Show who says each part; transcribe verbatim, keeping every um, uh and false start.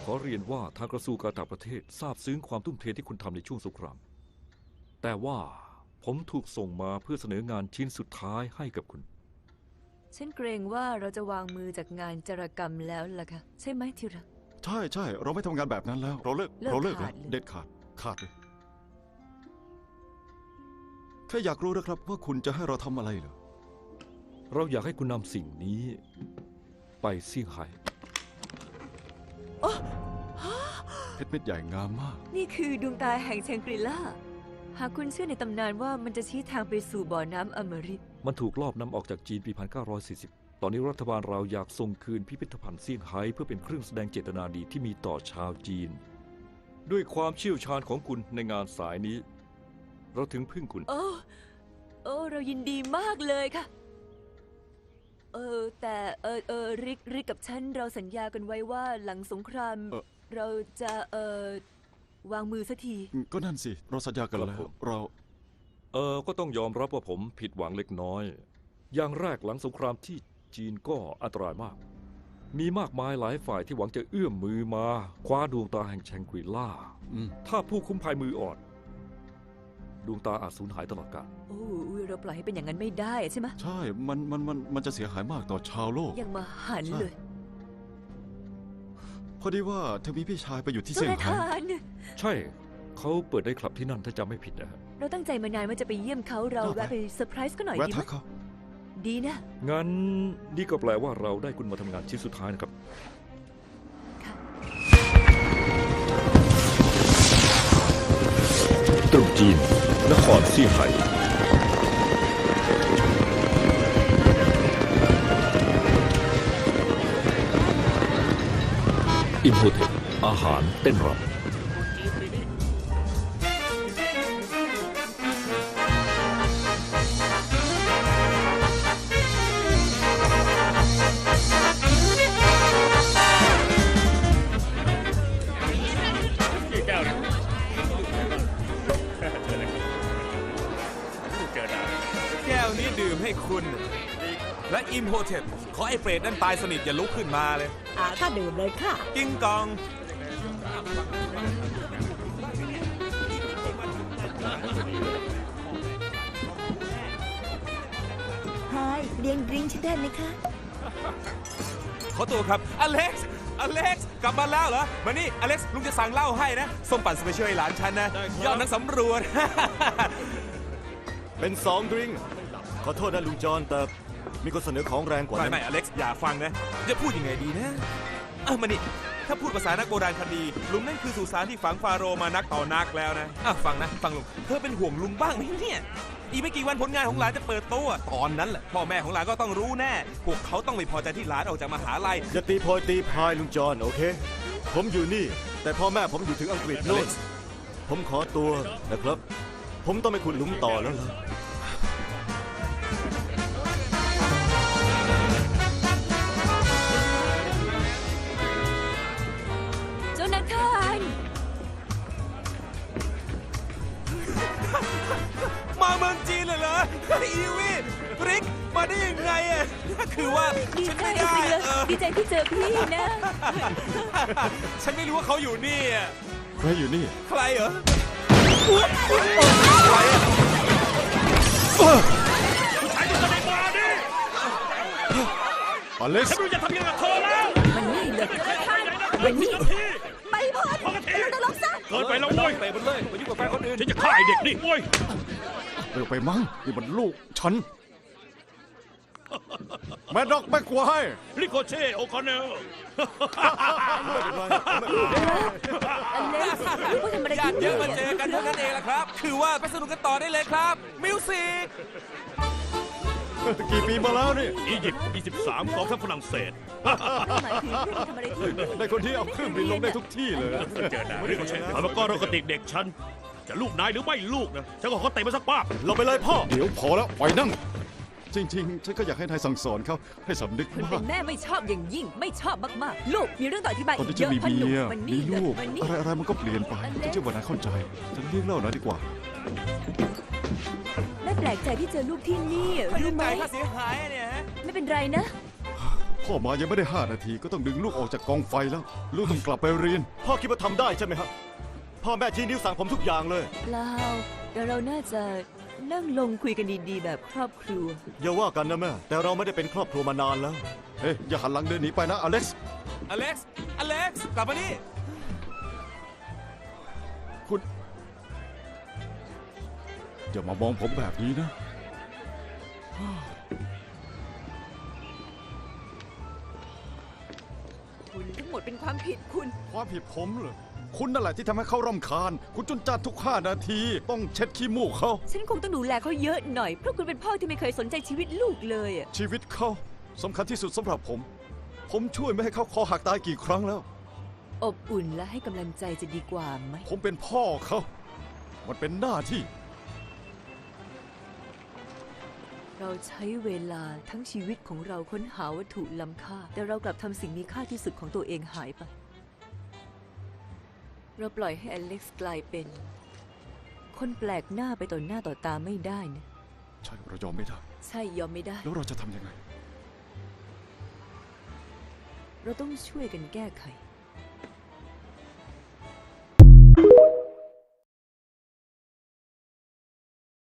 Speaker 1: ขอเรียนว่าทางกระทรวงการต่างประเทศทราบซึ้งความทุ่มเทที่คุณทำในช่วงสงครามแต่ว่าผมถูกส่งมาเพื่อเสนองานชิ้นสุดท้ายให้กับคุณ
Speaker 2: ฉันเกรงว่าเราจะวางมือจากงานจารกรรมแล้วล่ะค่ะใช่ไหมที่รัก
Speaker 3: ใช่ใช่เราไม่ทำงานแบบนั้นแล้วเราเลิกเราเลิกแล้วเด็ดขาดขาดเลยแค่อยากรู้นะครับว่าคุณจะให้เราทำอะไรเหรอ
Speaker 1: เราอยากให้คุณนำสิ่งนี้ไปเซี่ยงไฮ้
Speaker 3: เพชรเม็ดใหญ่งามมาก
Speaker 2: นี่คือดวงตาแห่งแชงกรีล่าหากคุณเชื่อในตำนานว่ามันจะชี้ทางไปสู่บ่อน้ำอมฤต
Speaker 1: มันถูกลอบนำออกจากจีนปี หนึ่งพันเก้าร้อยสี่สิบ ตอนนี้รัฐบาลเราอยากส่งคืนพิพิธภัณฑ์เซี่ยงไฮ้เพื่อเป็นเครื่องแสดงเจตนาดีที่มีต่อชาวจีนด้วยความเชี่ยวชาญของคุณในงานสายนี้เราถึงพึ่งคุณ
Speaker 2: โอ้โอ้เรายินดีมากเลยค่ะเออแต่เออเออริกริกกับฉันเราสัญญากันไว้ว่าหลังสงครามเราจะเออวางมือสักที
Speaker 3: ก็นั่นสิเราสัญญากันแล้วเรา
Speaker 1: เออก็ต้องยอมรับว่าผมผิดหวังเล็กน้อยอย่างแรกหลังสงครามที่จีนก็อันตรายมากมีมากมายหลายฝ่ายที่หวังจะเอื้อมมือมาคว้าดวงตาแห่งแชงกรีล่าถ้าผู้คุ้มภัยมืออ่อนดวงตาอาจสูญหายตลอดกาล
Speaker 2: โอ้เราปล่อยให้เป็นอย่างนั้นไม่ได้ใช่ไหม
Speaker 3: ใช่มันมันมันมันจะเสียหายมากต่อชาวโลก
Speaker 2: ยังมาหันเลย
Speaker 3: พอดีว่าเธอมีพี่ชายไปอยู่ที่เซี่ยงไฮ้
Speaker 1: ใช่เขาเปิดได้คลับที่นั่นถ้าจำไม่ผิดนะ
Speaker 2: เราตั้งใจมานานว่าจะไปเยี่ยมเขาเราแวะไปเซอร์ไพรส์ก็หน่อยดีไหมดีนะ
Speaker 1: งั้นนี่ก็แปลว่าเราได้คุณมาทำงานชิ้นสุดท้ายนะครับตรุษจีนนครเซี่ยงไฮ้อิมโฮเทปอาหารเต้นรำ
Speaker 4: ให้คุณและอิมโฮเทปขอไอ้เปรตนั่นตายสนิทอย่าลุกขึ้นมาเลย
Speaker 5: อ่าก็ดื่มเลยค่ะ
Speaker 4: กิ้งกอง
Speaker 5: ไฮเลี้ยงดริงก์ฉันได้ไหมคะ
Speaker 4: ขอตัวครับอเล็กซ์อเล็กซ์กลับมาแล้วเหรอมานี่อเล็กซ์ลุงจะสั่งเหล้าให้นะส้มปั่นสเปเชียลให้หลานฉันนะยอดนักสำรวจ
Speaker 6: เป็นสองดริงก์ขอโทษนะลุงจอนแต่มีคนเสนอของแรงกว่า
Speaker 4: นั้นไม่ไม่อเล็กซ์อย่าฟังนะจะพูดยังไงดีนะเออมานี่ถ้าพูดภาษานักโบราณคดีลุงนั่นคือสุสานที่ฝังฟาโรห์มานักต่อนักแล้วนะอ่ะฟังนะฟังลุงเธอเป็นห่วงลุงบ้างไหมเนี่ยอีกไม่กี่วันผลงานของหลานจะเปิดตัวตอนนั้นแหละพ่อแม่ของหลานก็ต้องรู้แน่พวกเขาต้องไม่พอใจที่หลานออกจากมหาลัย
Speaker 6: อย่าตีโพยตีพายลุงจอนโอเคผมอยู่นี่แต่พ่อแม่ผมอยู่ถึงอังกฤษโน่นผมขอตัวนะครับผมต้องไปขุดหลุมต่อแล้วล่ะ
Speaker 4: มาเมืองจีนเลยเหรออีวีริกมาได้ยังไงอ่ะคือว่า
Speaker 2: ดีใจเลยดีใจที่เจอพี่นะ
Speaker 4: ฉันไม่รู้ว่าเขาอยู่นี่อ่ะ
Speaker 3: ใครอยู่นี่
Speaker 4: ใครเหรอ
Speaker 6: ใครอ่ะ
Speaker 7: ผู้ชายที่แสดงมาดิ
Speaker 3: อเล็กซ์
Speaker 7: ฉันรู้จะทำยังไงกับเธอแล้ว
Speaker 2: มันนี่เลยมันนี่ไปพอดเราจะลบซะ
Speaker 7: เกินไปแล้วเว้ย
Speaker 4: ไปบนเลยไปยุ่งกับแฟนคนอื่น
Speaker 7: ฉันจะฆ่าไอเด็กนี่เว้ย
Speaker 3: เร็วไปมั้งนี่มันลูกฉันแม่ดอกแม่ควาย
Speaker 7: ริโกเช่โอคอนเนล
Speaker 4: ญาติเยอะมาเจอกันเท่านั้นเองละครับคือว่าไปสนุกกันต่อได้เลยครับมิวสิก
Speaker 3: กี่ปีมาแล้วนี่
Speaker 7: อียิปต์ยี่สิบสามกองทัพฝรั่งเศส
Speaker 3: ในคนที่เอาเครื่องบินลงได้ทุกที่เลย
Speaker 7: เจอหน้าริโกเช่แล้วก็โรคติกเด็กฉันจะลูกนายหรือไม่ลูกนะฉันก็ขอเตะมาสักป้า
Speaker 6: เราไปเลยพ่อ
Speaker 3: เดี๋ยวพอแล้วไปนั่งจริงๆฉันก็อยากให้นายสั่งสอนเขาให้สำนึก
Speaker 2: ว่าเป็นแม่ไม่ชอบอย่างยิ่งไม่ชอบมากๆลูกมีเรื่องต่ออธิบาย
Speaker 3: ตอนที่จะมีเมียมีลูกอะไรอะไรมันก็เปลี่ยนไปฉันเชื่อว่านายเข้าใจฉันเรียกเล่าหน่อยดีกว่า
Speaker 2: แม่แปลกใจที่เจอลูกที่นี่รู้ไหม
Speaker 4: ค่าเสียหายเนี่ย
Speaker 2: ไม่เป็นไรนะ
Speaker 3: พ่อมายังไม่ได้ห้านาทีก็ต้องดึงลูกออกจากกองไฟแล้ว ลูกต้องกลับไปเรียน
Speaker 6: พ่อคิดว่าทำได้ใช่ไหมครับ พ่อแม่ชี้นิ้วสั่งผมทุกอย่างเลย
Speaker 2: เปล่าแต่เราน่าจะนั่งลงคุยกันดีๆ แบบครอบครัว
Speaker 6: อย่าว่ากันนะแม่ แต่เราไม่ได้เป็นครอบครัวมานานแล้ว
Speaker 3: เฮ้ยอย่าหันหลังเดินหนีไปนะอเล็กซ์
Speaker 4: อเล็กซ์ อเล็กซ์ กลับมานี่
Speaker 3: คุณอย่ามามองผมแบบนี้นะ
Speaker 2: คุณทั้งหมดเป็นความผิดคุณ
Speaker 3: ความผิดผมเหรอคุณนั่นแหละที่ทำให้เขารำคาญ คุณจุนจัดทุกห้านาที ต้องเช็ดขี้มูกเขา
Speaker 2: ฉันคงต้องดูแลเขาเยอะหน่อย เพราะคุณเป็นพ่อที่ไม่เคยสนใจชีวิตลูกเลยอะ
Speaker 3: ชีวิตเขาสำคัญที่สุดสำหรับผม ผมช่วยไม่ให้เขาคอหักตายกี่ครั้งแล้ว
Speaker 2: อบอุ่นและให้กำลังใจจะดีกว่าไหม
Speaker 3: ผมเป็นพ่อเขา มันเป็นหน้าที่
Speaker 2: เราใช้เวลาทั้งชีวิตของเราค้นหาวัตถุล้ำค่า แต่เรากลับทำสิ่งมีค่าที่สุดของตัวเองหายไป เราปล่อยให้อเล็กซ์กลายเป็น คนแปลกหน้าไปต่อหน้าต่อตาไม่ได้นะ
Speaker 3: ใช่เรายอมไม่ได้
Speaker 2: ใช่ยอมไม่ได้
Speaker 3: แล้วเราจะทำยังไง
Speaker 2: เราต้องช่วยกันแก้ไข